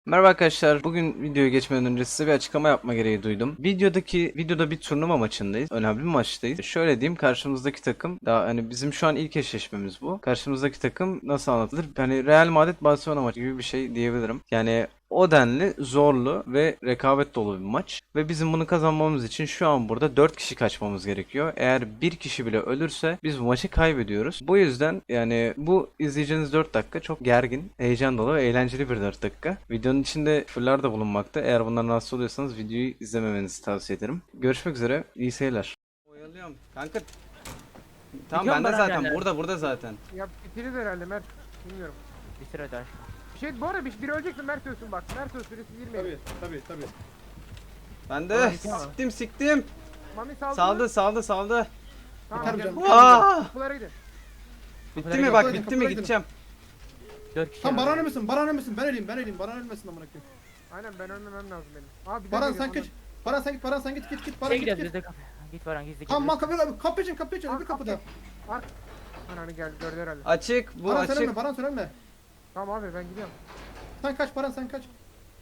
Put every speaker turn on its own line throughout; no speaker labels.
Merhaba arkadaşlar. Bugün videoya geçmeden önce size bir açıklama yapma gereği duydum. Videoda bir turnuva maçındayız. Önemli bir maçtayız. Şöyle diyeyim, karşımızdaki takım daha hani bizim şu an ilk eşleşmemiz bu. Karşımızdaki takım nasıl anlatılır? Hani Real Madrid Barcelona maçı gibi bir şey diyebilirim. Yani o denli zorlu ve rekabet dolu bir maç. Ve bizim bunu kazanmamız için şu an burada 4 kişi kaçmamız gerekiyor. Eğer bir kişi bile ölürse biz bu maçı kaybediyoruz. Bu yüzden yani bu izleyeceğiniz 4 dakika çok gergin, heyecan dolu ve eğlenceli bir 4 dakika. Videonun içinde küfürler de bulunmakta. Eğer bundan rahatsız oluyorsanız videoyu izlememenizi tavsiye ederim. Görüşmek üzere, iyi seyirler. Oyalıyorum. Kanka. Tamam
Biliyorum
bende
ben
zaten.
hala.
Burada zaten.
Ya bitiriz herhalde Mert. Bilmiyorum.
Bir sıra daha.
Bir şey bu arada biri öleceksin Mert ölsün bak. Mert ölsün süresi 20.
Tabii.
Bende.
Tamam.
Siktim.
Mami saldı.
Saldı.
Tamam.
Yeter
gel.
hocam.
Aa!
Kapılara gidin.
Bitti mi bak, bitti mi, gideceğim.
4 kişi.
Tam
var.
Baran ölmesin. Baran ölmesin. Ben öleyim. Baran ölmesin amına koyayım.
Aynen ben ölmemem lazım benim. Abi bir
Baran
dakika,
sen kaç. Baran sen git. Baran sen git. Baran
Şey
git.
gidiyoruz biz de kapı. Git Baran gizli
Tamam mal
gidiyoruz.
kapı için öbür kapıda.
Ananı geldi gördü herhalde.
Açık, bu
Baran sen
açık.
ölme. Baran sen ölme.
Tamam abi ben gidiyorum.
Sen kaç Baran sen kaç.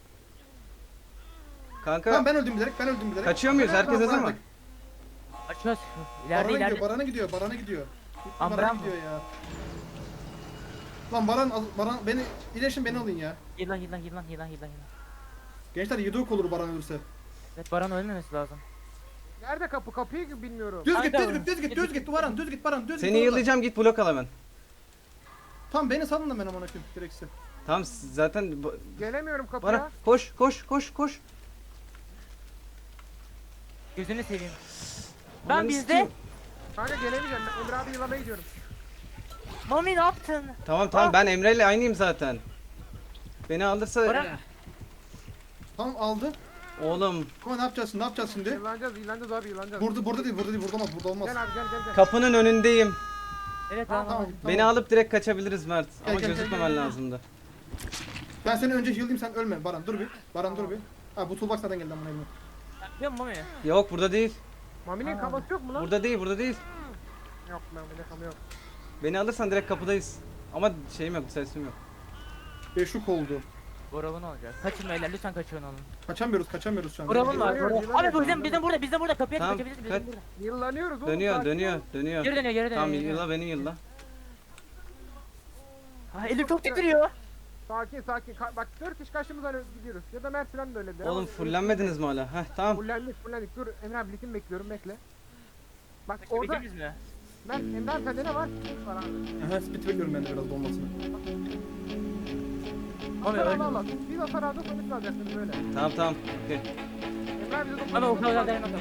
Kanka,
Tamam ben öldüm bilerek.
kaçıyor muyuz? Herkes hazır mı?
Açıyoruz. İleride.
Barana gidiyor.
Am,
Barana
Baran
gidiyor ya. Lan Baran beni iyileşin beni alın ya.
Yılan.
Gençler yedok olur Baran ölürse.
Evet Baran ölmemesi lazım.
Nerede kapı? Kapıyı bilmiyorum.
Düz git Baran düz git.
Seni yıllayacağım, git blok al hemen.
Tamam beni salın da ben amına koyayım gerekirse.
Tamam zaten
Gelemiyorum kapıya.
Bana koş.
Gözünü seveyim.
Ulan
Ben bizde.
sikeyim.
Kanka gelemeyeceğim. Ben Emre abi yılamaya gidiyorum.
Mami ne yaptın?
Tamam ben Emre ile aynıyım zaten. Beni alırsa
Baran.
Tamam aldı.
oğlum
Ama ne yapacağız şimdi?
Yılanacağız abi yılanacağız.
Burada değil burada olmaz.
Gel abi gel.
kapının önündeyim.
Evet
Tamam,
tamam.
Beni alıp direkt kaçabiliriz Mert. Ama
gel,
gözükmemen
gel.
lazımdı.
Ben seni önce heal'layım sen ölme Baran dur bir. Dur bir. Ha bu toolbox zaten geldi amına koyayım.
Biliyor musun Mami?
Yok burada değil.
Mami'nin kafası yok mu lan?
Burada değil.
Yok Mami'nin kafası yok.
Beni alırsan direkt kapıdayız. Ama şeyim yok, sesim yok.
Beşuk oldu.
Borav'ın olacak. Kaçın beyler lütfen kaçın onu.
Kaçamıyoruz şu an.
Borav'ın var.
Yılanıyor,
Abi
yılanıyor.
bizim burada kapıya
Tamam,
kaçabiliriz
kaç.
bizim burada.
Yıllanıyoruz oğlum.
Dönüyor.
Geri dönüyor.
Tamam yılla beni yılla.
Ha, elim çok titriyor.
Sakin. Bak 4 kişi karşımızdan gidiyoruz. Ya da Mert falan da öyle.
Oğlum fullenmediniz mi hala? Heh tamam.
Fullendik. Dur Emre abi likim bekliyorum bekle. Bak orada
Beklediniz mi?
Mert Emre abi sende ne var? Var abi.
Aha speed bekliyorum ben de biraz dolmasını.
Mami öldü.
Allah. Biz hasar aldık sonuç alacaksınız böyle.
Tamam. Okey.
Emre abi de
Mami o kadar dayanamam.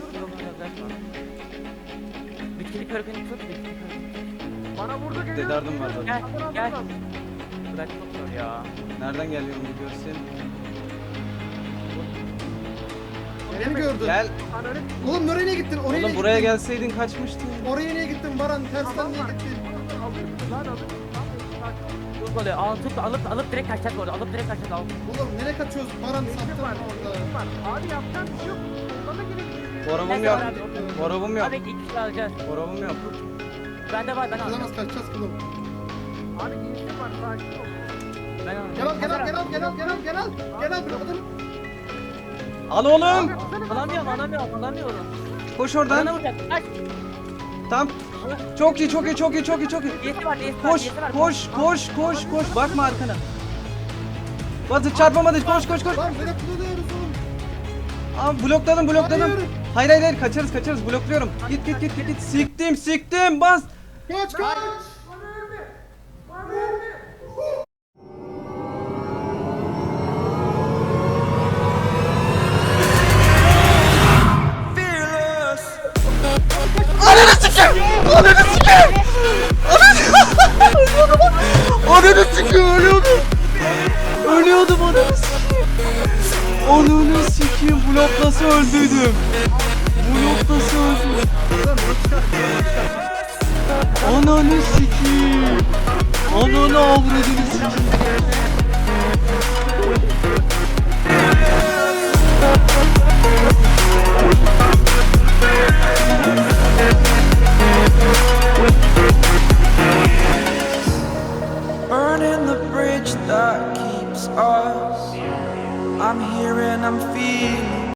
Bitkili körgünü tut.
Bana vurdu geliyor.
Dedardım var zaten.
Gel. Bırak çok zor ya.
Nereden geliyor onu görsün.
Beni gördün.
Gel.
Ananı
Oğlum nereye gittin? Oraya
Oğlum
niye
buraya
gittin?
gelseydin kaçmıştın.
Oraya niye gittin Baran? Tersten
Tamam
niye
var.
gittin?
alıyorsun lan alıyorsun. Sakin.
Çok oluyor. Alıp direkt kaçacağız bu arada. Alıp direkt kaçacağız.
Oğlum nereye kaçıyoruz? Baran
Eğitim
sattın
var.
orada.
Eğitim var. Abi yapacağım bir şey yok. Bana gerek yok.
Boravum yok.
Abi iki kişi alacağız.
Boravum yok.
Bende var ben alacağım.
Kızamaz kaçacağız kızım.
Abi eğitim var sakin ol.
Ben alacağım.
Gel al bırakın.
Al oğlum.
Alamıyorum.
Koş
Bana
oradan.
vuracak. Kaç.
Tamam. Çok iyi.
Diyesi var.
Koş. Bakma arkana. Batı çarpamadı. Koş.
Lan böyle kullanıyoruz oğlum.
Aa blokladım.
Hayır.
Hayır kaçarız. Blokluyorum. Git. Siktim. Bas.
Kaç.
Ananı sikeyim ölüyordum ananı sikeyim bloklası öldüydüm. Ananı sikeyim. Ananı avradını sikeyim.
Burning the bridge that keeps us I'm here and I'm